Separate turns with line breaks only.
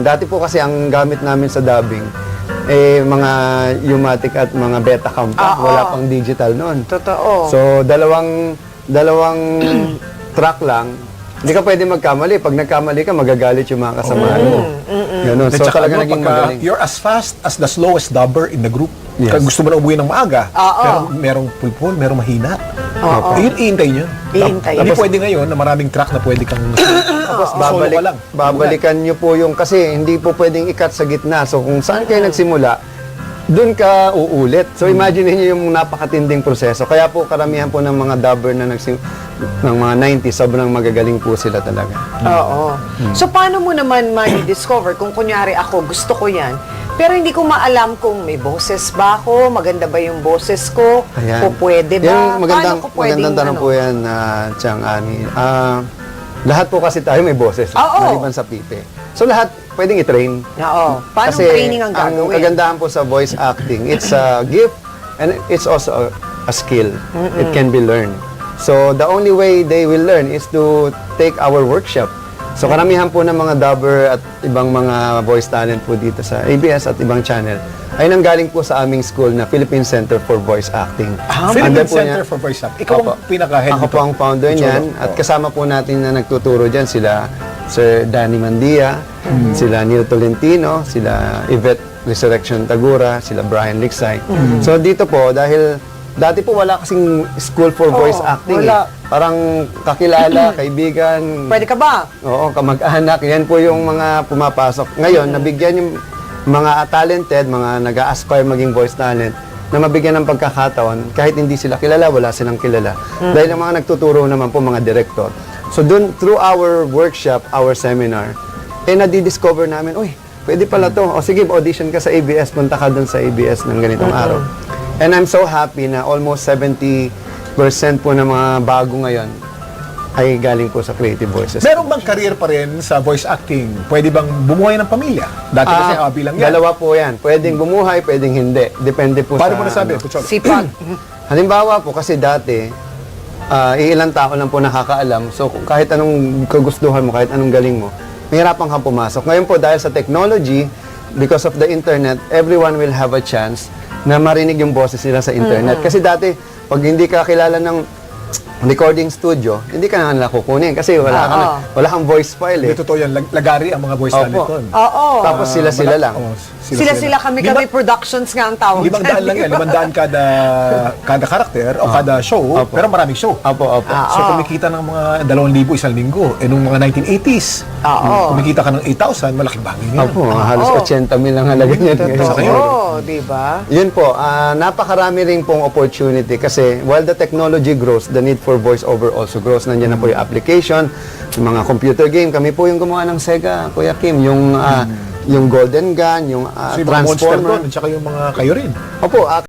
Dati po kasi ang gamit namin sa dubbing, mga U-matic at mga Betacam pa. Wala pang digital noon.
Totoo.
So, dalawang track lang. Hindi ka pwede magkamali. Pag nagkamali ka, magagalit yung mga kasamahan mo. Ganun. So, talaga naging magaling.
You're as fast as the slowest dubber in the group.
Yes.
Kaya gusto mo na umuwi ng maaga, pero merong pulpul, merong mahina. Yun, iintay nyo.
Iintay.
Hindi pwede ngayon na maraming track na pwede kang
Tapos
solo ka lang.
babalikan nyo po yung, kasi hindi po pwedeng ikat sa gitna. So kung saan kayo nagsimula, doon ka uulit. So imagine niyo yung napakatinding proseso. Kaya po karamihan po ng mga dubber na ng mga 90s, sobrang magagaling po sila talaga.
Oo. So, paano mo naman ma-discover kung kunyari ako, gusto ko yan, pero hindi ko maalam kung may boses ba ako, maganda ba yung boses ko, o pwede ba?
Yung magandang,
Paano ko pwedeng,
magandang tanong po yan, Chang Ani. Lahat po kasi tayo may boses, maliban sa pipe. So lahat pwedeng i-train.
Oo. Paano
Kasi
training ang gagawin?
Ang kagandahan po sa voice acting, it's a gift and it's also a skill. It can be learned. So the only way they will learn is to take our workshop. So karamihan po ng mga dubber at ibang mga voice talent po dito sa ABS at ibang channel ay nanggaling po sa aming school na Philippine Center for Voice Acting.
Philippine Center for Voice Acting. Ikaw ang pinaka-head
Ako po ang founder niyan at kasama po natin na nagtuturo dyan sila Sir Danny Mandia, sila Neil Tolentino, sila Yvette Resurrection Tagura, sila Brian Liksay. So dito po, dahil dati po wala kasing school for voice acting.
Wala.
Parang kakilala, kaibigan.
Pwede ka ba?
Oo, kamag-anak. Yan po yung mga pumapasok. Ngayon, nabigyan yung mga talented, mga nag-a-aspire maging voice talent, na mabigyan ng pagkakataon, kahit hindi sila kilala, wala silang kilala. Dahil ang mga nagtuturo naman po, mga director. So dun, through our workshop, our seminar, nadidiscover namin, uy, pwede pala to. O sige, audition ka sa ABS, punta ka dun sa ABS ng ganitong araw. And I'm so happy na almost 70% po ng mga bago ngayon ay galing po sa Creative Voices.
Meron bang career pa rin sa voice acting? Pwede bang bumuhay ng pamilya? Dati kasi bilang yan.
Dalawa po yan. Pwedeng bumuhay, pwedeng hindi. Depende po
Paano
sa...
mo nasabi?
Sipag.
Halimbawa po, kasi dati, ilang tao lang po nakakaalam. So, kahit anong kagustuhan mo, kahit anong galing mo, mahirapan kang pumasok. Ngayon po, dahil sa technology, because of the internet, everyone will have a chance na marinig yung boses nila sa internet. Kasi dati, pag hindi ka kilala ng recording studio, hindi ka na nila kukunin kasi wala kang voice file eh.
Hindi totoo yan. Lagari ang mga voice talent doon.
Oo.
Tapos sila lang.
Sila kami productions nga ang tawag.
500 lang yan. 500 kada karakter o kada show, pero maraming show.
Opo.
So kumikita ng mga 2,000 isang linggo. Nung mga 1980s, kumikita ka ng 8,000, malaking bagay ngayon.
Opo, halos 80 mil ang halaga niyan ngayon.
Oo, di ba?
Yun po, napakarami rin pong opportunity kasi while the technology grows, the need for voice-over also grows. Nandiyan na po yung application, yung mga computer game. Kami po yung gumawa ng Sega, Kuya Kim, yung Golden Gun, yung
So yung mga Monster
Transformer.
doon, at saka yung mga kayo rin.
Opo,